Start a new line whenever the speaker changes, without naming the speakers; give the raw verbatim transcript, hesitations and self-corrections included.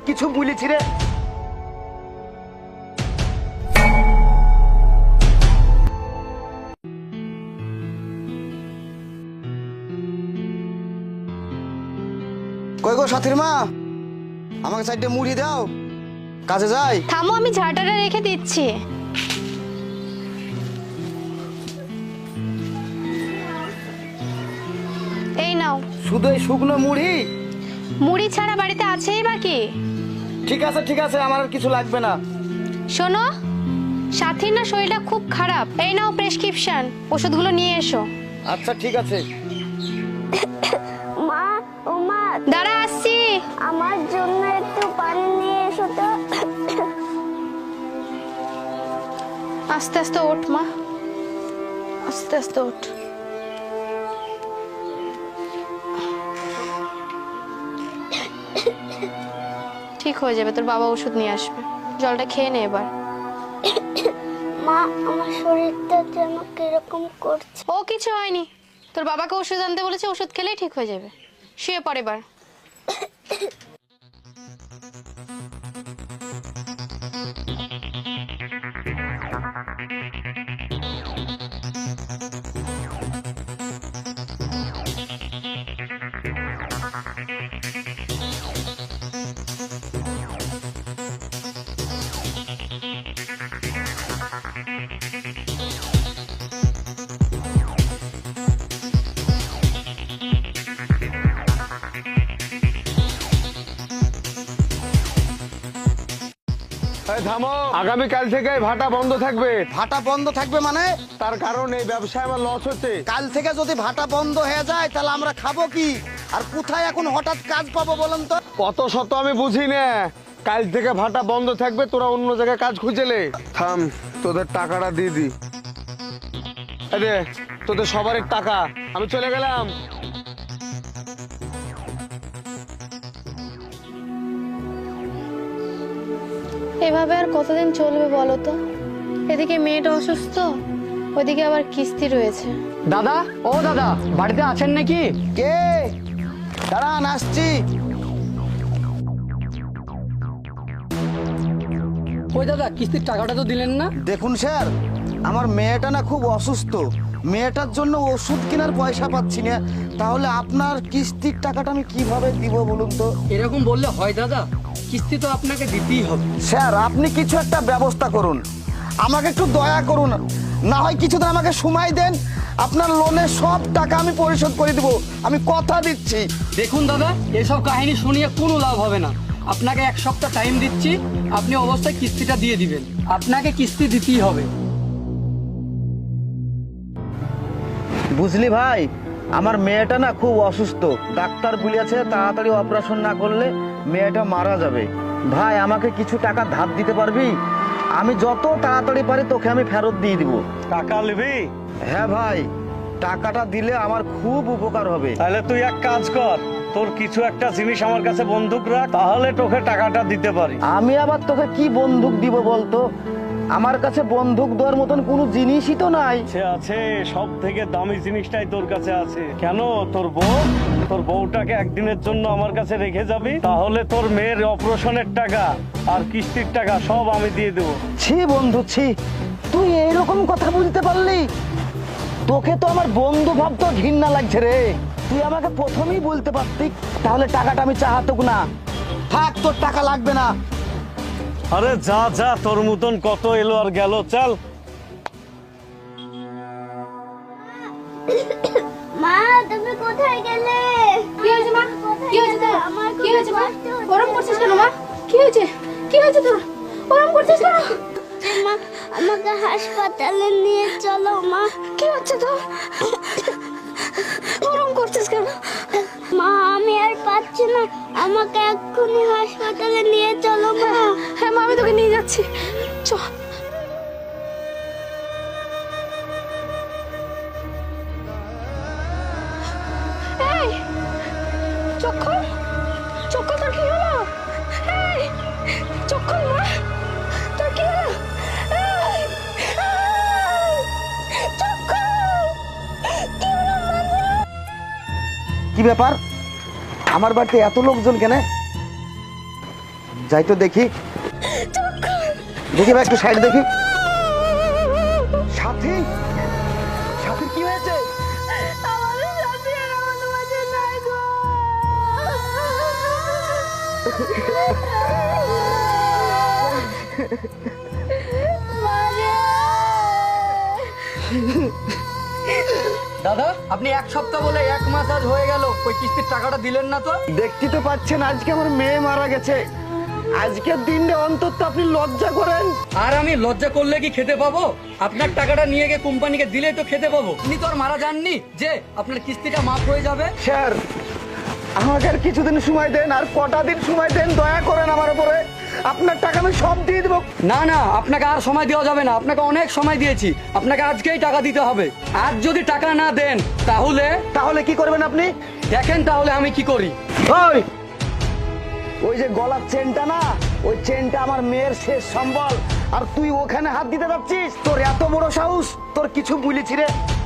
কিছু বলেছি রে? কই গো সাথীর মা, আমাকে চারটে মুড়ি দাও, কাজে যাই।
থামো, আমি ঝাঁটাটা রেখে দিচ্ছি। এই নাও।
শুধু এই শুকনো মুড়ি?
মুড়ি ছাড়া বাড়িতে আছেই বাকি।
ঠিক আছে ঠিক আছে, আমার আর কিছু লাগবে না।
শোনো, সাথীর না শরীরটা খুব খারাপ। এই নাও প্রেসক্রিপশন, ওষুধগুলো নিয়ে এসো।
আচ্ছা ঠিক আছে।
মা, ও মা,
দাঁড়া আসছি।
আমার জন্য একটু পানি নিয়ে এসো তো।
আস্তে আস্তে ওঠ মা, আস্তে আস্তে ওঠ। ঠিক হয়ে যাবে, তোর বাবা ওষুধ নিয়ে আসবে। জলটা খেয়ে নে এবার।
মা, আমার শরীরটা যেন কিরকম করছে।
ও কিছু হয়নি, তোর বাবাকে ওষুধ আনতে বলেছে, ওষুধ খেলেই ঠিক হয়ে যাবে। শুয়ে পড় এবার।
থামো, আগামীকাল থেকে ভাটা বন্ধ থাকবে।
ভাটা বন্ধ থাকবে মানে?
তার কারণ এই ব্যবসায় আমার লস হচ্ছে।
কাল থেকে যদি ভাটা বন্ধ হয়ে যায় তাহলে আমরা খাবো কি, আর কোথায় এখন হঠাৎ কাজ পাবো বলেন তো?
কত শত আমি বুঝি না, কাল থেকে ভাটা বন্ধ থাকবে, তোরা অন্য জায়গায় কাজ খুঁজেলে। থাম, তোদের টাকাটা দিয়ে দি। আরে তোদের সবার টাকা, আমি চলে গেলাম।
এভাবে আর কতদিন চলবে বলো তো? এদিকে মেয়েটা অসুস্থ, ওইদিকে আবার কিস্তি রয়েছে।
দাদা, ও দাদা, বাড়িতে আছেন নাকি?
কে? দাঁড়ান, আসছি।
ওই দাদা, কিস্তির টাকাটা তো দিলেন না।
দেখুন স্যার, আমার মেয়েটা না খুব অসুস্থ, মেয়েটার জন্য ওষুধ কেনার পয়সা পাচ্ছি না, তাহলে আপনার কিস্তির টাকাটা আমি কিভাবে দিব বলুন তো?
এরকম বললে হয় দাদা, কিস্তি তো আপনাকে দিতেই হবে।
স্যার, আপনি কিছু একটা ব্যবস্থা করুন, আমাকে একটু দয়া করুন, না হয় কিছুদিন আমাকে সময় দেন, আপনার লোনের সব টাকা আমি পরিশোধ করে দিব, আমি কথা দিচ্ছি।
দেখুন দাদা, এসব কাহিনী শুনিয়ে কোনো লাভ হবে না। আপনাকে এক সপ্তাহ টাইম দিচ্ছি, আপনি অবশ্যই কিস্তিটা দিয়ে দিবেন। আপনাকে কিস্তি দিতেই হবে।
বুঝলি ভাই, আমার মেয়েটা না খুব অসুস্থ, ডাক্তার বলেছে তাড়াতাড়ি অপারেশন না করলে মেয়েটা মারা যাবে। ভাই, আমাকে কিছু টাকা ধার দিতে পারবি? আমি যত তাড়াতাড়ি পারি তোকে আমি ফেরত দিয়ে দিব।
টাকা নিবি?
হ্যাঁ ভাই, টাকাটা দিলে আমার খুব উপকার হবে।
তাহলে তুই এক কাজ কর, তোর কিছু একটা জিনিস আমার কাছে বন্দুক রাখ, তাহলে তোকে টাকাটা দিতে পারি।
আমি আবার তোকে কি বন্দুক দিব বলতো? আমার কাছে বন্দুক দেওয়ার মতন কোনো জিনিসই তো নাই।
সে আছে, সব থেকে দামি জিনিসটাই তোর কাছে আছে। কেন, তোর বউ, তোর বউটাকে একদিনের জন্য আমার কাছে রেখে যাবি, তাহলে তোর মেয়ের অপারেশনের টাকা আর কিস্তির টাকা সব আমি দিয়ে দেবো।
ছি বন্ধু, ছি, তুই এইরকম কথা বলতে পারলি? তোকে তো আমার বন্ধু ভাবতো ঘৃণা লাগছে রে। তুই আমাকে প্রথমেই বলতে পারতি, তাহলে টাকাটা আমি চাহাতুক না। থাক, তোর টাকা লাগবে না।
আরে যা যা, তোর মতন কত এলো আর গেল, চল।
মা, তুমি কোথায় গেলে?
কি হয়েছে মা? কি হয়েছে তোর?
আমার
কি হয়েছে মা?
কষ্ট হচ্ছে।
ওরম করছিস কেন মা? কি হয়েছে? কি হয়েছে তোর? ওরম করছিস কেন?
মা, আমাকে হাসপাতালে নিয়ে চলো মা।
কি হচ্ছে তোর? ওরম করছিস কেন?
মা, আমি আর পাচ্ছি না, আমাকে এক্ষুনি হাসপাতালে নিয়ে চলো মা।
হ্যাঁ মা, আমি তোকে নিয়ে যাচ্ছি, চ। এই চক্ষু, চক্ষু, তোর কি হলো? এই চক্ষু মা, তোর কি হলো? এই, এই, চক্ষু, কি হলো মা?
কি ব্যাপার, আমার বাড়িতে এত লোকজন কেন? যাই তো দেখি দেখি ভাই, একটু সাইড দেখি। সাথী, সাথীর কি হয়েছে?
আমাদের সাথে আর আমাদের মাঝে নাই গো। মারে।
দাদা, আপনি এক সপ্তাহ বলে এক মাস আজ হয়ে গেল, ওই কিস্তির টাকাটা দিলেন না তো?
দেখতে তো পাচ্ছেন আজকে আমার মেয়ে মারা গেছে। আজকের দিনটা অন্তত আপনি লজ্জা করেন।
আর আমি লজ্জা করলে কি খেতে পাবো? আপনার টাকাটা নিয়ে গিয়ে কোম্পানিকে দিলে তো খেতে পাবো। আপনি তো আর মারা যাননি যে আপনার কিস্তিটা মাফ হয়ে যাবে।
স্যার, আমাকে আর কিছুদিন সময় দেন, আর কটা দিন সময় দেন, দয়া করেন আমার উপরে। আপনার টাকা আমি সব দিয়ে দেবো।
না না, আপনাকে আর সময় দেওয়া যাবে না, আপনাকে অনেক সময় দিয়েছি, আপনাকে আজকেই টাকা দিতে হবে। আর যদি টাকা না দেন তাহলে
তাহলে কি করবেন আপনি?
দেখেন তাহলে আমি কি করি।
ওই ওই যে গলার চেনটা না, ওই চেনটা আমার মেয়ের শেষ সম্বল, আর তুই ওখানে হাত দিতে যাচ্ছিস? তোর এত বড় সাহস, তোর কিছু বলেছি রে?